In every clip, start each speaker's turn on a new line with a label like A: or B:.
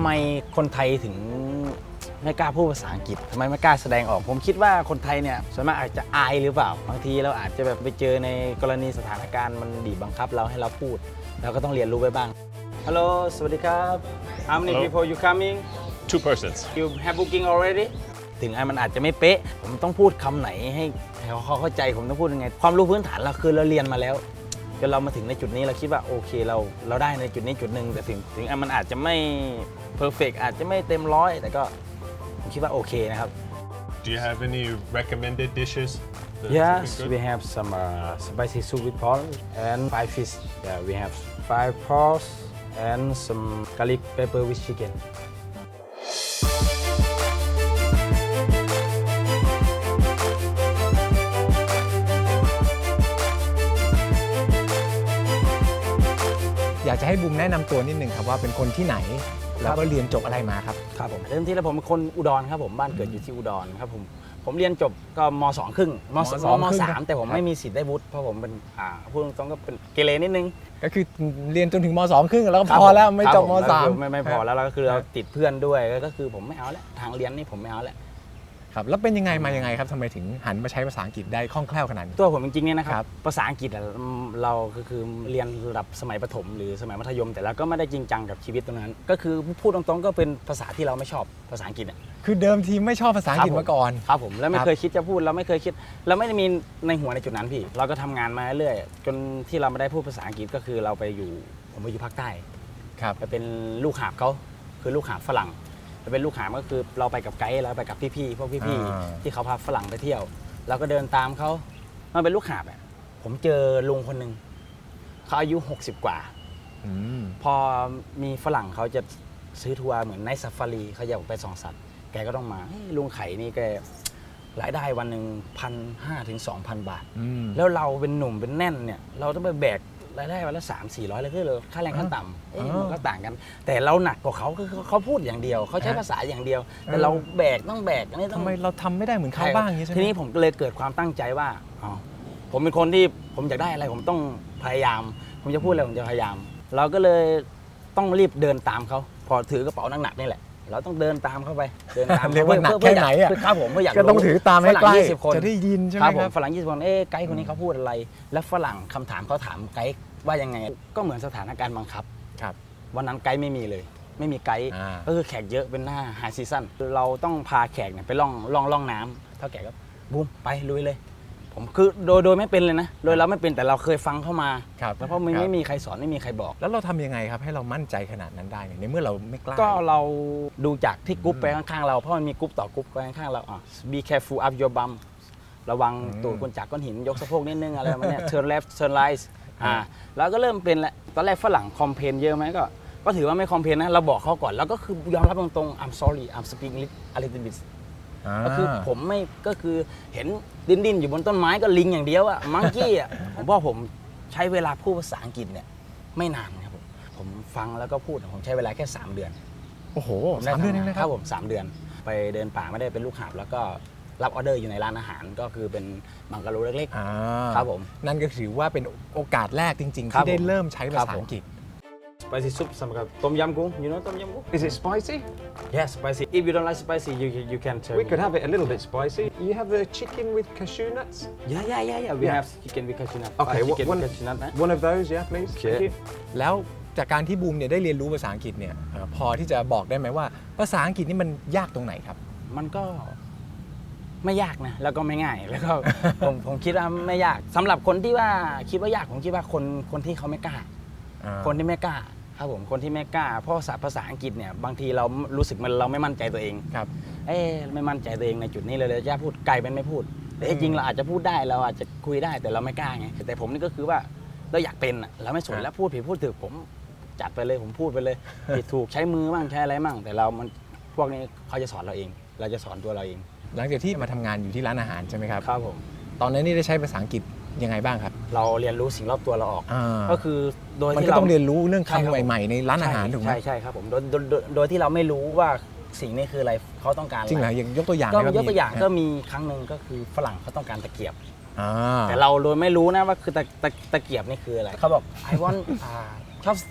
A: ไมคนไทยถึงไม่กล้าพูดภาษาอังกฤษทำไมไม่กล้าแสดงออกผมคิดว่าคนไทยเนี่ยส่วนมากอาจจะอายหรือเปล่าบางทีเราอาจจะแบบไปเจอในกรณีสถานการณ์มันบีบบังคับเราให้เราพูดเราก็ต้องเรียนรู้ไปบ้าง Hello สวัสดีครับ How many people you coming
B: Two persons.
A: You have booking already ถึงมันอาจจะไม่เป๊ะผมต้องพูดคำไหนให้เขาเข้าใจผมต้องพูดยังไงความรู้พื้นฐานเราคือเราเรียนมาแล้วจนเรามาถึงในจุดนี้เราคิดว่าโอเคเราได้ในจุดนี้จุดหนึ่งแต่ถึงมันอาจจะไม่เพอร์เฟกต์อาจจะไม่เต็มร้อยแต่ก็ผมคิดว่าโอเคนะครับ
B: Do you have any recommended dishes?
A: Yes we have some spicy soup with pork and fried fish yeah we have fried pork and some garlic pepper with chicken
C: อยากจะให้บูมแนะนำตัวนิดนึงครับว่าเป็นคนที่ไหนแล้วก็เรียนจบอะไรมาครับ
A: ครับผมเริ่มที่แล้วผมเป็นคนอุดรครับผมบ้านเกิดอยู่ที่อุดรครับผมเรียนจบก็ม.2 ครึ่งม.3 แต่ผมไม่มีสิทธิ์ได้วุฒิเพราะผมเป็นพูดตรงๆก็เป็นเกเรนิดนึง
C: ก็คือเรียนจนถึงม.2 ครึ่งแล้วก็พอแล้วไม่จบม.3
A: ไม่พอแล้วก็คือเราติดเพื่อนด้วยก็คือผมไม่เอาแล้วทางเรียนนี่ผมไม่เอาแล้ว
C: ครับแล้วเป็นยังไงมายังไงครับทำไมถึงหันมาใช้ภาษาอังกฤษได้คล่องแคล่วขนาดนี้
A: ตัวผมจริงๆเนี่ยนะครับภาษาอังกฤษเราคือเรียนระดับสมัยประถมหรือสมัยมัธยมแต่เราก็ไม่ได้จริงจังกับชีวิตตรงนั้นก็คือพูดตรงๆก็เป็นภาษาที่เราไม่ชอบภาษาอังกฤษ
C: คือเดิมทีไม่ชอบภาษาอังกฤษมาก่อน
A: ครับผมแล้วไม่เคยคิดจะพูดเราไม่เคยคิดเราไม่ได้มีในหัวในจุดนั้นพี่เราก็ทำงานมาเรื่อยจนที่เราไม่ได้พูดภาษาอังกฤษก็คือผมไปอยู่ภาคใต้
C: ครับ
A: ไปเป็นลูกหาบเขาคือลูกหาบฝรั่งไปเป็นลูกหาบก็คือเราไปกับไกด์เราไปกับพี่ๆพวกพี่ๆที่เขาพาฝรั่งไปเที่ยวเราก็เดินตามเขามาเป็นลูกหาบผมเจอลุงคนหนึ่งเขาอายุ60 กว่าพอมีฝรั่งเขาจะซื้อทัวร์เหมือนไนท์ซาฟารีเขาอยากไปส่องสัตว์แกก็ต้องมาลุงไข่นี่แกรายได้วันหนึ่ง1,500 ถึง 2,000 บาทแล้วเราเป็นหนุ่มเป็นแน่นเนี่ยเราต้องไปแบกรายได้วันละ300-400เลยคือค่าแรงขั้นต่ำมันก็ต่างกันแต่เราหนักกว่าเขาคือเขาพูดอย่างเดียวเขาใช้ภาษาอย่างเดียวแต่เราต้องแบกอันนี้
C: ทำไมเราทำไม่ได้เหมือนเขาบ้างอย่างนี้ใช่ไหม
A: ทีนี้ผมเลยเกิดความตั้งใจว่าผมเป็นคนที่ผมอยากได้อะไรผมต้องพยายามผมจะพูดอะไรผมจะพยายามเราก็เลยต้องรีบเดินตามเขาพอถือกระเป๋าหนักๆนี่แหละเราต้องเดินตามเข้าไปเดินตาม
C: เรียกว่าหนักแค่ไหนอ่ะ
A: ครับผมเพื่ออยาก
C: ก็ต้องถือตามให้ใกล้จะได้ยินใช่ไหม
A: ครับฝรั่ง20 คนไกด์คนนี้เขาพูดอะไรแล้วฝรั่งคำถามเขาถามไกด์ว่ายังไงก็เหมือนสถานการณ์บังคับวันนั้นไกด์ไม่มีเลยไม่มีไกด์ก็คือแขกเยอะเป็นหน้าไฮซีซั่นเราต้องพาแขกเนี่ยไปล่องน้ำเท่าแขกก็บูมไปลุยเลยผมคือโดยไม่เป็นเลยนะโดยเราไม่เป็นแต่เราเคยฟังเข้ามาแล้วเพราะไม่มีใครสอนไม่มีใครบอก
C: แล้วเราทำยังไงครับให้เรามั่นใจขนาดนั้นได้ในเมื่อเราไม่กล้า
A: ก็เราดูจากที่กรุ๊ปไปข้างๆเราเพราะมันมีกรุ๊ปต่อกรุ๊ปไปข้างๆเราbe careful of your bum ระวังตูดคนจากก้อนหินยกสะโพกนิดนึงอะไรประมาณนี้ turn left turn right แล้วก็เริ่มเป็นแหละตอนแรกฝรั่งคอมเพลนเยอะไหมก็ถือว่าไม่คอมเพลนนะเราบอกเขาก่อนแล้วก็คือยอมรับตรงๆ I'm sorry I'm speaking a little bit ก็คือผมไม่ก็คือเห็นดิ้นอยู่บนต้นไม้ก็ลิงอย่างเดียวมังกี้ผมว่าผมใช้เวลาพูดภาษาอังกฤษเนี่ยไม่นานครับผมฟังแล้วก็พูดผมใช้เวลาแค่3 เดือน
C: โอ้โห3 เดือนเอง
A: นะครับผม3 เดือนไปเดินป่าไม่ได้เป็นลูกหาบแล้วก็รับออเดอร์อยู่ในร้านอาหารก็คือเป็นบังกะโลเล็กๆครับผม
C: นั่นก็ถือว่าเป็นโอกาสแรกจริงๆที่ได้เริ่มใช้ภาษาอังกฤษ
A: spicy soup สำหรับต้มยำกุ้ง you know ต้มยำกุ้ง
D: Is it spicy?
A: Yes spicy if you don't like spicy you can tell
D: We could have it a little bit spicy. You have the chicken with cashew nuts?
A: Yeah we have chicken with cashew nuts
D: Okay one of those yeah please Thank you
C: แล้วจากการที่บูมเนี่ยได้เรียนรู้ภาษาอังกฤษเนี่ยพอที่จะบอกได้ไหมว่าภาษาอังกฤษนี่มันยากตรงไหนครับ
A: มันก็ไม่ยากนะแล้วก็ไม่ง่ายแล้วก็ ผมคิดว่าไม่ยากสำหรับคนที่ว่าคิดว่ายากผมคิดว่าคนที่เขาไม่กล้าคนที่ไม่กล้าครับผมคนที่ไม่กล้าเพราะภาษาอังกฤษเนี่ยบางทีเรารู้สึกเราไม่มั่นใจตัวเอง
C: ครับ
A: ไม่มั่นใจตัวเองในจุดนี้เลยจะพูดไกลเป็นไม่พูดแต่จริงเราอาจจะพูดได้เราอาจจะคุยได้แต่เราไม่กล้าไงแต่ผมนี่ก็คือว่าเราอยากเป็นเราไม่สนแล้วพูดผิดพูดถูกผมจัดไปเลยผมพูดไปเลยผิดถูกใช้มือบ้างใช้อะไรบ้างแต่มันพวกนี้เขาจะสอนเราเองเราจะสอนตัวเราเอง
C: หลังจากที่มาทำงานอยู่ที่ร้านอาหารใช่ไหมครับ
A: ครับผม
C: ตอนนั้นนี่ได้ใช้ภาษาอังกฤษยังไงบ้างครับ
A: เราเรียนรู้สิ่งรอบตัวเราออกก็คือโดย
C: ที่เราต้องเรียนรู้เรื่องคำใหม่ๆในร้านอาหารถูกไหม
A: ใช่ครับผมโดยที่เราไม่รู้ว่าสิ่งนี้คืออะไรเขาต้องการ
C: จริงเหรออย่างยกตัวอย่าง
A: ก็ยกตัวอย่างก็มีครั้งหนึ่งก็คือฝรั่งเขาต้องการตะเกียบแต่เราโดยไม่รู้นะว่าคือตะเกียบนี่คืออะไรเขาบอก I want chopstick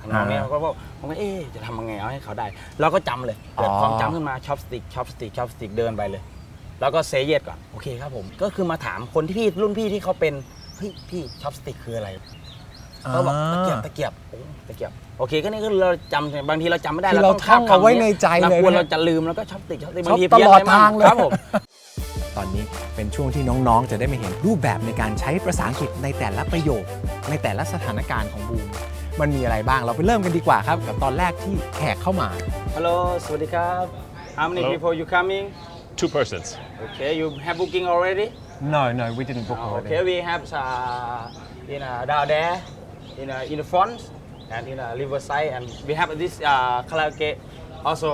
A: น้องเนี่ยเขาก็บอกผมก็จะทำยังไงเอาให้เขาได้เราก็จำเลยเกิดความจำขึ้นมาชอปสติกเดินไปเลย แล้วก็เซเยสก่อนโอเคครับผมก็คือมาถามคนที่รุ่นพี่ที่เขาเป็นเฮ้ยพี่ชอปสติกคืออะไรเขาบอกตะเกียบโอเคก็นี่ก็เราจำบางทีเราจำไม่ได้
C: คือเราท่องเอาไว้ในใจเลย
A: กลัวเราจะลืมแล้วก็ชอปสติกบางที
C: ตลอดทางเลย
A: ครับผม
C: ตอนนี้เป็นช่วงที่น้องๆ จะได้มาเห็นรูปแบบในการใช้ภาษาอังกฤษในแต่ละประโยค ในแต่ละสถานการณ์ของบูมมันมีอะไรบ้างเราไปเริ่มกันดีกว่าครับกับตอนแรกที่แขกเข้ามา
A: Hello สวัสดีครับ How many
B: Hello.
A: people you coming
B: 2 persons.
A: Okay you have booking already
D: No, we didn't book already.
A: Okay we have down there in the front and in riverside and we have this karaoke also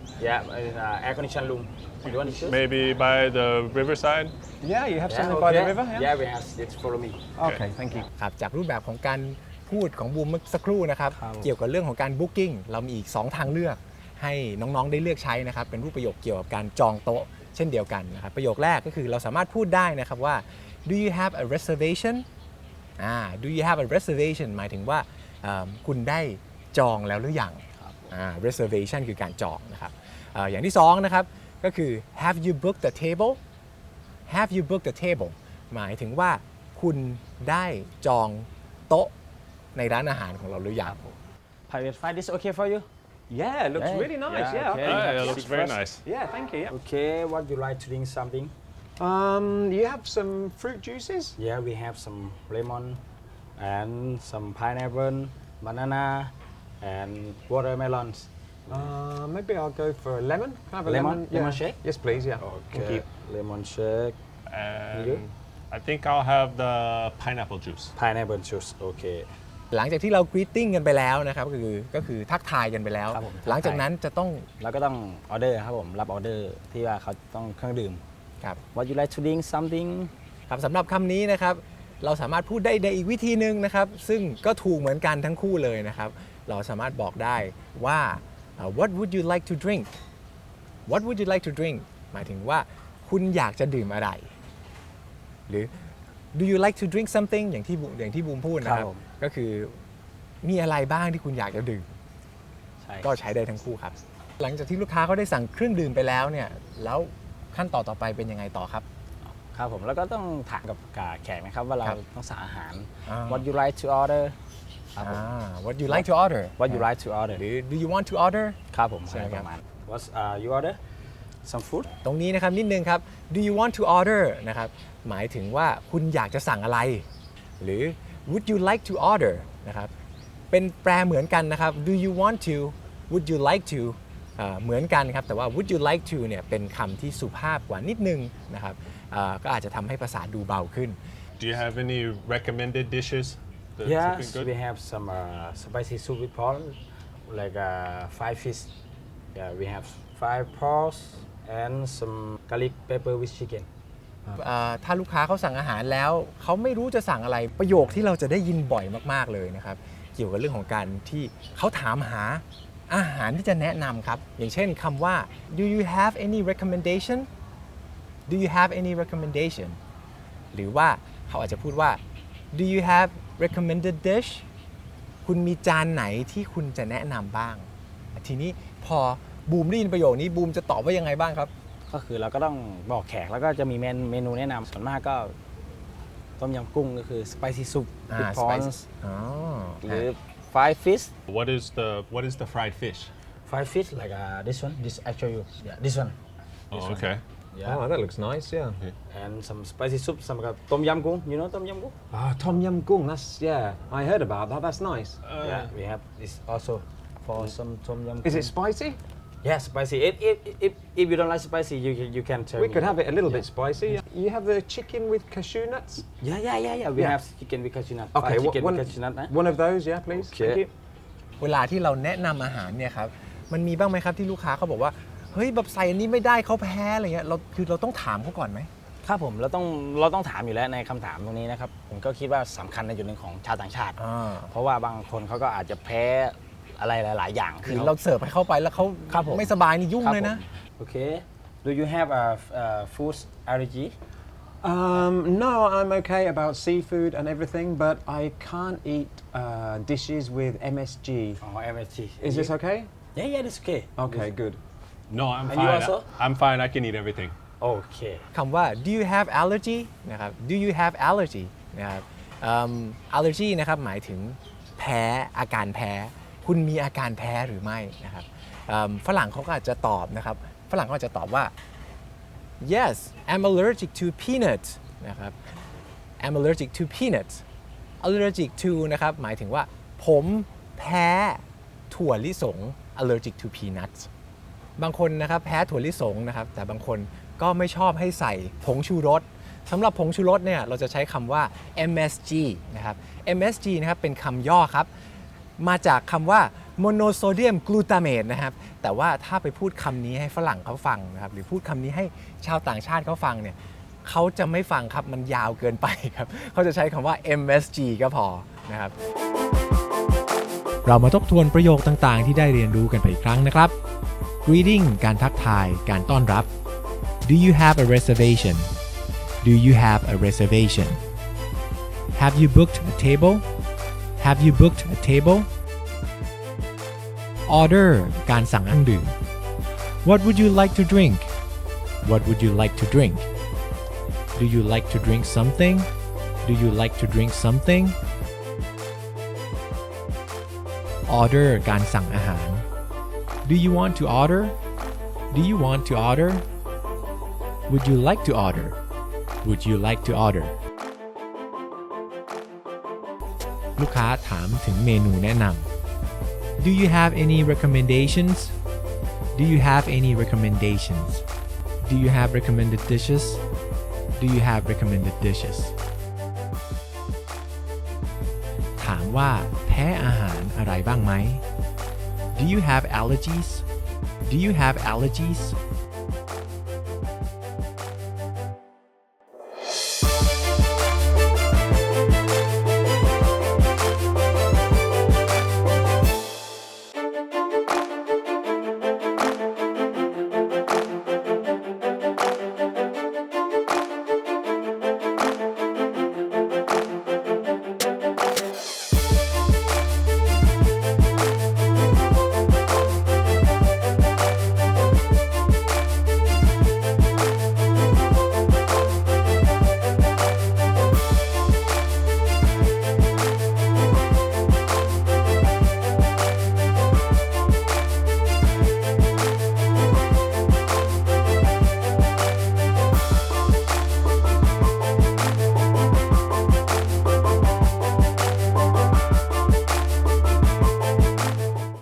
A: air conditioned room you want to choose
B: Maybe by the riverside.
D: Yeah, you have something by the river?
A: Yeah we have it follow me
D: Okay, thank you.
C: ครับจากรูปแบบของการพูดของบูมเมื่อสักครู่นะครับ
A: ครับ
C: เกี่ยวกับเรื่องของการบุ๊กิ้งเรามีอีก 2 ทางเลือกให้น้องๆได้เลือกใช้นะครับเป็นรูปประโยคเกี่ยวกับการจองโต๊ะเช่นเดียวกันนะครับประโยคแรกก็คือเราสามารถพูดได้นะครับว่า do you have a reservation do you have a reservation หมายถึงว่าคุณได้จองแล้วหรือยังreservation คือการจองนะครับอย่างที่2นะครับก็คือ have you booked the table have you booked the table หมายถึงว่าคุณได้จองโต๊ะในร้านอาหารของเราหรือยัง
A: private flight this okay for you
D: Yeah, it looks
A: Yeah.
D: really nice.
A: Yeah,
D: Yeah,
A: okay.
D: okay.
B: It looks very nice.
D: Yeah, thank you. Yeah.
A: Okay what you like to drink something
D: You have some fruit juices?
A: Yeah, we have some lemon and some pineapple, banana, and watermelons.
D: Maybe I'll go for a lemon. Can I have a
A: Lemon?
D: lemon?
A: Lemon
D: Yeah.
A: shake?
D: Yes, please. Yeah. Thank you.
A: Lemon shake,
B: And
A: You?
B: I think I'll have the pineapple juice.
A: pineapple juice. Okay.
C: หลังจากที่เรากรีตติ้งกันไปแล้วนะครับก็คือทักทายกันไปแล้ว
A: ครับผม
C: หลังจากนั้นจะต้อง
A: แล้วก็ต้องออเดอร์ครับผมรับออเดอร์ที่ว่าเขาต้องเครื่องดื่ม
C: ครับ
A: What you like to drink something?
C: ครับสำหรับคำนี้นะครับเราสามารถพูดได้ในอีกวิธีหนึ่งนะครับซึ่งก็ถูกเหมือนกันทั้งคู่เลยนะครับเราสามารถบอกได้ว่า what would you like to drink what would you like to drink หมายถึงว่าคุณอยากจะดื่มอะไร หรือ do you like to drink something อย่างที่บูมพูดนะค
A: ครั
C: รับบ
A: ผม
C: ก็คือมีอะไรบ้างที่คุณอยากจะดื่ม
A: ใช่
C: ก็ใช้ได้ทั้งคู่ครับ หลังจากที่ลูกค้าเขาได้สั่งเครื่องดื่มไปแล้วเนี่ยแล้วขั้นต่อไปเป็นยังไงต่อครับ
A: ครับผมแล้วก็ต้องถามกับแขกนะครับว่าเรา
C: ครับ
A: ต้องสั่งอาหาร
C: อ่า
A: What you like to order ครับผม
C: what you like to order
A: What you like to order
C: หรือ do you want to order
A: ครับผม
C: ใช่ไหมครับ
A: ประมาณ What you order some food
C: ตรงนี้นะครับนิดนึงครับ do you want to order นะครับหมายถึงว่าคุณอยากจะสั่งอะไร หรือ would you like to order นะครับเป็นแปลเหมือนกันนะครับ do you want to would you like to เหมือนกันครับแต่ว่า would you like to เนี่ยเป็นคำที่สุภาพกว่านิดนึงนะครับก็อาจจะทำให้ภาษาดูเบาขึ้น
B: Do you have any recommended dishes? That's
A: Yes,
B: looking good?
A: we have some spicy soup with prawn, like 5 fish. Yeah, we have 5 prawns and some garlic pepper with chicken.
C: ถ้าลูกค้าเขาสั่งอาหารแล้วเขาไม่รู้จะสั่งอะไรประโยคที่เราจะได้ยินบ่อยมากๆเลยนะครับเกี่ยวกับเรื่องของการที่เขาถามหาอาหารที่จะแนะนำครับอย่างเช่นคำว่า do you have any recommendation do you have any recommendation หรือว่าเขาอาจจะพูดว่า do you have recommended dish คุณมีจานไหนที่คุณจะแนะนำบ้าง ทีนี้พอบูมได้ยินประโยคนี้บูมจะตอบว่ายังไงบ้างครับ
A: ก็คือเราก็ต้องบอกแขกแล้วก็จะมีเมนูแนะนำส่วนมากก็ต้มยำกุ้งก็คือ spicy soup with prawns
C: อ๋อ
A: หรือ 5 fish
B: What is the fried fish?
A: 5 fish like this I show you yeah this one
B: Oh, okay.
A: yeah
D: Oh, that looks nice. Yeah.
A: and some spicy soup some tom yum goong you know tom yum goong
D: Tom Yum Goong. That's I heard about that. That's nice.
A: yeah we have this also for some tom yum
D: Is it
A: goong.
D: spicy?
A: Yeah, spicy. If you don't like spicy, you can tell
D: We
A: me.
D: could have it a little bit spicy. You have the chicken with cashew nuts?
A: Yeah. We
D: Yeah.
A: have chicken with cashew nut.
D: Okay,
A: chicken
D: one,
A: with cashew nut.
D: one of those, yeah, please.
A: Okay.
D: Thank you.
C: เวลาที่เราแนะนำอาหารเนี่ยครับมันมีบ้างไหมครับที่ลูกค้าเขาบอกว่าเฮ้ยแบบใส่อันนี้ไม่ได้เขาแพ้อะไรเงี้ยเราต้องถามเขาก่อนไหม
A: ครับผมเราต้องถามอยู่แล้วในคำถามตรงนี้นะครับผมก็คิดว่าสำคัญในจุดหนึ่งของชาวต่างชาติ เพราะว่าบางคนเขาก็อาจจะแพ้อะไรหลาย ๆ อย่าง
C: คือเราเสิร์ฟให้เข้าไปแล้วเขา
A: ครับผม
C: ไม่สบายนี่ยุ่ง
A: ครับ
C: เลยนะ
A: ผม Okay. Do you have a food allergy?
D: No, I'm okay about seafood and everything, but I can't eat dishes with MSG.
A: อ๋อ MSG
D: Is this okay?
A: yeah that's okay
D: Okay, good.
B: No, I'm
A: And you
B: fine.
A: also?
B: I'm fine. I can eat everything.
A: โอเค
C: คำว่า do you have allergy นะครับ do you have allergy นะครับallergy นะครับหมายถึงแพ้อาการแพ้ คุณมีอาการแพ้หรือไม่นะครับฝรั่งเขาก็อาจจะตอบนะครับฝรั่งเขาอาจจะตอบว่า yes I'm allergic to peanuts นะครับ I'm allergic to peanuts allergic to นะครับหมายถึงว่าผมแพ้ถั่วลิสง allergic to peanuts บางคนนะครับแพ้ถั่วลิสงนะครับแต่บางคนก็ไม่ชอบให้ใส่ผงชูรสสำหรับผงชูรสเนี่ยเราจะใช้คำว่า MSG นะครับ MSG นะครับเป็นคำย่อครับมาจากคำว่า monosodium glutamate นะครับแต่ว่าถ้าไปพูดคำนี้ให้ฝรั่งเขาฟังนะครับหรือพูดคำนี้ให้ชาวต่างชาติเขาฟังเนี่ยเขาจะไม่ฟังครับมันยาวเกินไปครับเขาจะใช้คำว่า MSG ก็พอนะครับเรามาทบทวนประโยคต่างๆที่ได้เรียนรู้กันไปอีกครั้งนะครับ greeting การทักทายการต้อนรับ Do you have a reservation? Do you have a reservation? Have you booked a table? Have you booked a table? Order การสั่งเครื่องดื่ม What would you like to drink? What would you like to drink? Do you like to drink something? Do you like to drink something? Order การสั่งอาหาร Do you want to order? Do you want to order? Would you like to order? Would you like to order? ลูกค้าถามถึงเมนูแนะนำ Do you have any recommendations? Do you have any recommendations? Do you have recommended dishes? Do you have recommended dishes? ถามว่าแพ้อาหารอะไรบ้างไหม Do you have allergies? Do you have allergies?